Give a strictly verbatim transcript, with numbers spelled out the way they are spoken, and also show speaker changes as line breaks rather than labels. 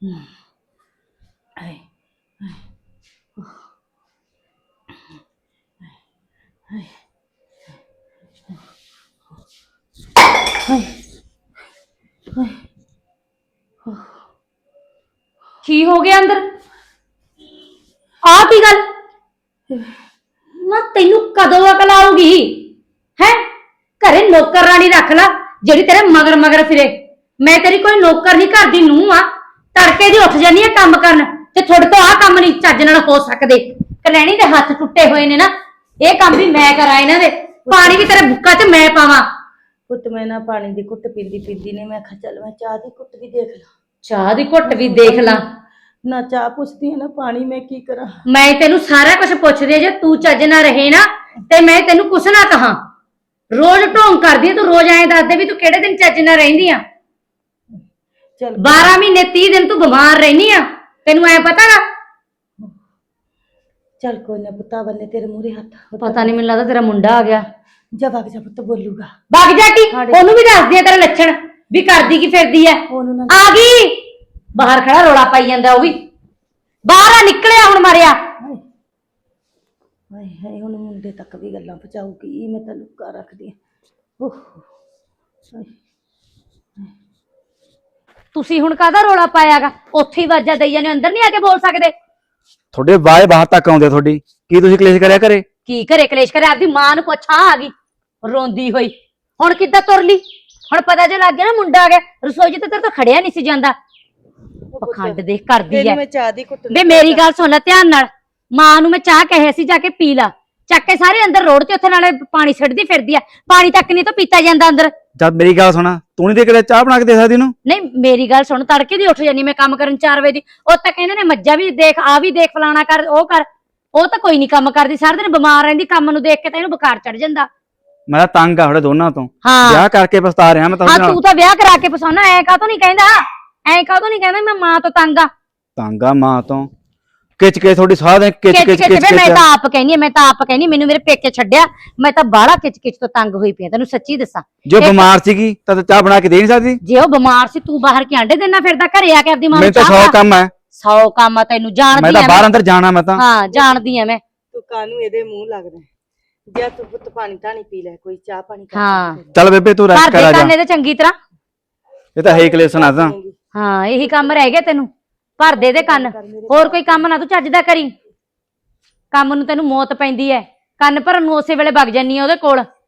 ਹਾਏ ਹਾਏ
ਕੀ ਹੋ ਗਿਆ ਅੰਦਰ? ਆ ਕੀ ਗੱਲ ਨਾ, ਤੈਨੂੰ ਕਦੋਂ ਅਕਲ ਆਊਗੀ ਹੈ? ਘਰੇ ਨੌਕਰ ਰਾਣੀ ਰੱਖ ਲਾ ਜਿਹੜੀ ਤੇਰੇ ਮਗਰ ਮਗਰ ਫਿਰੇ। ਮੈਂ ਤੇਰੀ ਕੋਈ ਨੌਕਰ ਨਹੀਂ, ਘਰ ਦੀ ਨੂੰਹ ਆ। ਤੜਕੇ ਦੀ ਉੱਠ ਜਾਨੀ ਆ ਕੰਮ ਕਰਨ, ਤੇ ਤੁਹਾਡੇ ਤੋਂ ਆਹ ਕੰਮ ਨਹੀਂ ਚੱਜ ਨਾਲ ਹੋ ਸਕਦੇ। ਕਲੈਣੀ ਦੇ ਹੱਥ ਟੁੱਟੇ ਹੋਏ ਨੇ ਨਾ, ਇਹ ਕੰਮ ਵੀ ਮੈਂ ਕਰਾਂ ਇਹਨਾਂ ਦੇ। ਪਾਣੀ ਵੀ ਤੇਰੇ ਬੁੱਕਾ 'ਚ ਮੈਂ ਪਾਵਾਂ।
ਪੁੱਤ ਮੈਂ ਨਾ ਪਾਣੀ ਦੀ ਘੁੱਟ ਪੀਂਦੀ ਪੀਂਦੀ ਨੇ ਮੈਂ ਕਿਹਾ ਚੱਲ ਮੈਂ ਚਾਹ ਦੀ ਘੁੱਟ ਵੀ ਦੇਖ ਲਾਂ।
ਚਾਹ ਦੀ ਘੁੱਟ ਵੀ ਦੇਖ ਲਾਂ?
ਨਾ ਚਾਹ ਪੁੱਛਦੀ ਹੈ ਨਾ ਪਾਣੀ, ਮੈਂ ਕੀ ਕਰਾਂ?
ਮੈਂ ਤੈਨੂੰ ਸਾਰਾ ਕੁਝ ਪੁੱਛਦੀ, ਜੇ ਤੂੰ ਚੱਜ ਨਾ ਰਹੇ ਨਾ ਤੇ ਮੈਂ ਤੈਨੂੰ ਕੁਛ ਨਾ ਕਹਾਂ। ਰੋਜ਼ ਢੋਂਗ ਕਰਦੀ ਆ ਤੂੰ, ਰੋਜ਼ ਐਂ ਦੱਸਦੇ ਵੀ ਤੂੰ ਕਿਹੜੇ ਦਿਨ ਚੱਜ ਨਾਲ ਰਹਿੰਦੀ ਆ।
ਚੱਲ
ਬਾਰਾਂ ਮਹੀਨੇ ਤੀਹ ਦਿਨ ਤੂੰ ਬਿਮਾਰ ਰਹਿਨੀ ਆ, ਤੈਨੂੰ ਐ ਪਤਾ ਨਾ?
ਚੱਲ ਕੋਈ ਨਾ ਪੁੱਤਾ ਬੰਨੇ ਤੇਰੇ ਮੂਹਰੇ ਹੱਥ।
ਪਤਾ ਨਹੀਂ, ਮੈਨੂੰ ਲੱਗਦਾ ਤੇਰਾ ਮੁੰਡਾ ਆ ਗਿਆ।
ਜਾ ਵਗ ਜਾ ਪੁੱਤ, ਬੋਲੂਗਾ।
ਵਗ ਜਾ ਟੀ, ਉਹਨੂੰ ਵੀ ਦੱਸਦੀ ਆ ਤੇਰੇ ਲੱਛਣ ਵੀ ਕਰਦੀ ਕੀ ਫਿਰਦੀ ਐ।
ਉਹਨੂੰ ਨਾ
ਆ ਗਈ ਬਾਹਰ ਖੜਾ ਰੋਲਾ ਪਾਈ ਜਾਂਦਾ, ਉਹ ਵੀ ਬਾਹਰ ਆ ਨਿਕਲਿਆ ਹੁਣ ਮਾਰਿਆ।
ਹਾਏ ਹਾਏ, ਹੁਣ ਮੁੰਡੇ ਤੱਕ ਵੀ ਗੱਲਾਂ ਪਹੁੰਚਾਊਗੀ, ਮੈਂ ਤਾਂ ਲੁੱਕਾ ਰੱਖਦੀ ਆ। ਓਹ
ਤੁਸੀਂ ਹੁਣ ਕਾਹਦਾ ਰੋਲਾ ਪਾਇਆਗਾ? ਉੱਥੇ ਹੀ ਵਾਜਾ ਦਈ ਜਾਂਦੇ, ਅੰਦਰ ਨਹੀਂ ਆ ਕੇ ਬੋਲ ਸਕਦੇ?
ਤੁਹਾਡੇ ਬਾਏ ਬਾਹਰ ਤੱਕ ਆਉਂਦੇ ਤੁਹਾਡੀ, ਕੀ ਤੁਸੀਂ ਕਲੇਸ਼ ਕਰਿਆ ਘਰੇ?
ਕੀ ਘਰੇ ਕਲੇਸ਼ ਕਰਿਆ? ਆਪਦੀ ਮਾਂ ਨੂੰ ਪੁੱਛ, ਆ ਗਈ ਰੋਂਦੀ ਹੋਈ। ਹੁਣ ਕਿੱਦਾਂ ਤੁਰ ਲਈ? ਹੁਣ ਪਤਾ ਜੇ ਲੱਗ ਗਿਆ ਨਾ ਮੁੰਡਾ ਆ ਗਿਆ। ਰਸੋਈ 'ਚ ਤਾਂ ਤੇਰੇ ਤੋਂ ਖੜਿਆ ਨਹੀਂ ਸੀ ਜਾਂਦਾ। ਪਖੰਡ ਦੇਖ ਕਰਦੀ ਐ।
ਮੈਂ ਚਾਹ ਦੀ ਘੁੱਟ
ਵੇ ਮੇਰੀ ਗੱਲ ਸੁਣ ਲੈ ਧਿਆਨ ਨਾਲ। ਮਾਂ ਨੂੰ ਮੈਂ ਚਾਹ ਕਹੇ ਸੀ ਜਾ ਕੇ ਪੀ ਲਾ, ਚੱਕ ਕੇ ਸਾਰੇ ਅੰਦਰ ਰੋਡ ਤੇ ਉੱਥੇ ਨਾਲੇ ਪਾਣੀ ਛੱਡਦੀ ਫਿਰਦੀ ਆ। ਪਾਣੀ ਤੱਕ ਨਹੀਂ ਤਾਂ ਪੀਤਾ ਜਾਂਦਾ ਅੰਦਰ।
ਜਦ ਮੇਰੀ ਗੱਲ ਸੁਣਾ, ਤੂੰ ਨਹੀਂ ਦੇ ਕੇ ਚਾਹ ਬਣਾ ਕੇ ਦੇ ਸਕਦੀ ਇਹਨੂੰ?
ਨਹੀਂ ਮੇਰੀ ਗੱਲ ਸੁਣ, ਤੜਕੇ ਦੀ ਉੱਠ ਜਾਨੀ ਮੈਂ ਕੰਮ ਕਰਨ ਚਾਰ ਵਜੇ ਦੀ। ਉਹ ਤਾਂ ਕਹਿੰਦੇ ਨੇ ਮੱਝਾਂ ਵੀ ਦੇਖ, ਆ ਵੀ ਦੇਖ, ਫਲਾਣਾ ਕਰ, ਉਹ ਕਰ। ਉਹ ਤਾਂ ਕੋਈ ਨਹੀਂ ਕੰਮ ਕਰਦੀ, ਸਾਰਾ ਦਿਨ ਬਿਮਾਰ ਰਹਿੰਦੀ। ਕੰਮ ਨੂੰ ਦੇਖ ਕੇ ਤਾਂ ਇਹਨੂੰ ਬੁਖਾਰ ਚੜ ਜਾਂਦਾ।
ਮੈਂ ਤਾਂ ਤੰਗ ਆ ਤੁਹਾਡੇ ਦੋਨਾਂ ਤੋਂ।
ਹਾਂ
ਵਿਆਹ ਕਰਕੇ ਪਛਤਾ ਰਿਹਾ ਮੈਂ
ਹਾਂ,
ਤੁਹਾਡੇ ਨਾਲ।
ਤੂੰ ਤਾਂ ਵਿਆਹ ਕਰਾ ਕੇ ਪਸਾਉਣਾ। ਐ ਕਾਹਤੋਂ ਨਹੀਂ ਕਹਿੰਦਾ, ਐ ਕਾਹਤੋਂ ਨਹੀਂ ਕਹਿੰਦਾ ਮੈਂ ਮਾਂ ਤੋਂ ਤੰਗ ਆ।
ਤੰਗ ਆ ਮਾਂ ਤੋਂ? ਕਿਚ ਕੇ ਤੁਹਾਡੀ ਸਾਹ ਦੇ ਕਿਚ
ਕਿਚ
ਕਿਚ
ਕਿਚ
ਕਿਚ
ਵੇ ਮੈਂ ਤਾਂ ਆਪ ਕਹਿਨੀ, ਮੈਂ ਤਾਂ ਆਪ ਕਹਿਨੀ ਮੈਨੂੰ ਮੇਰੇ ਪੇਕੇ ਛੱਡਿਆ। ਮੈਂ ਤਾਂ ਬਾਹਲਾ ਕਿਚ ਕਿਚ ਤੋਂ ਤੰਗ ਹੋਈ ਪਈ, ਤੈਨੂੰ ਸੱਚੀ ਦੱਸਾਂ।
ਜੋ ਬਿਮਾਰ ਸੀਗੀ ਤਾਂ ਚਾਹ ਬਣਾ ਕੇ ਦੇ ਨਹੀਂ ਸਕਦੀ?
ਜੇ ਉਹ ਬਿਮਾਰ ਸੀ, ਤੂੰ ਬਾਹਰ ਕੇ ਆਂਡੇ ਦੇਣਾ ਫਿਰਦਾ, ਘਰੇ ਆ ਕੇ ਆਪਦੀ ਮਾਂ ਨੂੰ
ਮੈਨੂੰ ਤਾਂ
ਚਾਹ
ਸੌ ਕੰਮ ਹੈ।
ਸੌ ਕੰਮ ਆ ਤੈਨੂੰ, ਜਾਣਦੀ
ਮੈਂ
ਆ
ਤਾਂ ਬਾਹਰ ਅੰਦਰ ਜਾਣਾ। ਮੈਂ ਤਾਂ
ਹਾਂ ਜਾਣਦੀ ਆ ਮੈਂ।
ਤੂੰ ਕਾਹਨੂੰ ਇਹਦੇ ਮੂੰਹ ਲੱਗਦਾ? ਜਾ ਤੂੰ ਪੁੱਤ ਪਾਣੀ ਧਾਣੀ ਪੀ ਲੈ, ਕੋਈ ਚਾਹ ਪਾਣੀ ਕਰ।
ਹਾਂ
ਚੱਲ ਬੇਬੇ ਤੂੰ ਰੈਸਟ
ਘਰ
ਕਰ
ਦੇ
ਆ ਜਾ।
ਕੰਨੇ ਤੇ ਚੰਗੀ ਤਰ੍ਹਾਂ।
ਇਹ ਤਾਂ ਹੈ ਹੀ ਕਲੇਸ਼ਨ ਆ ਤਾਂ।
ਹਾਂ ਇਹੀ ਕੰਮ ਰਹਿ ਗਿਆ ਤੈਨੂੰ, ਭਰ ਦੇ ਦੇ ਕੰਨ। ਹੋਰ ਕੋਈ ਕੰਮ ਨਾ ਤੂੰ ਚੱਜ ਦਾ ਕਰੀ। ਕੰਮ ਨੂੰ ਤੈਨੂੰ ਮੌਤ ਪੈਂਦੀ ਐ, ਕੰਨ ਭਰਨ ਨੂੰ ਉਸੇ ਵੇਲੇ ਵਗ ਜਾਨੀ ਆ ਉਹਦੇ ਕੋਲ।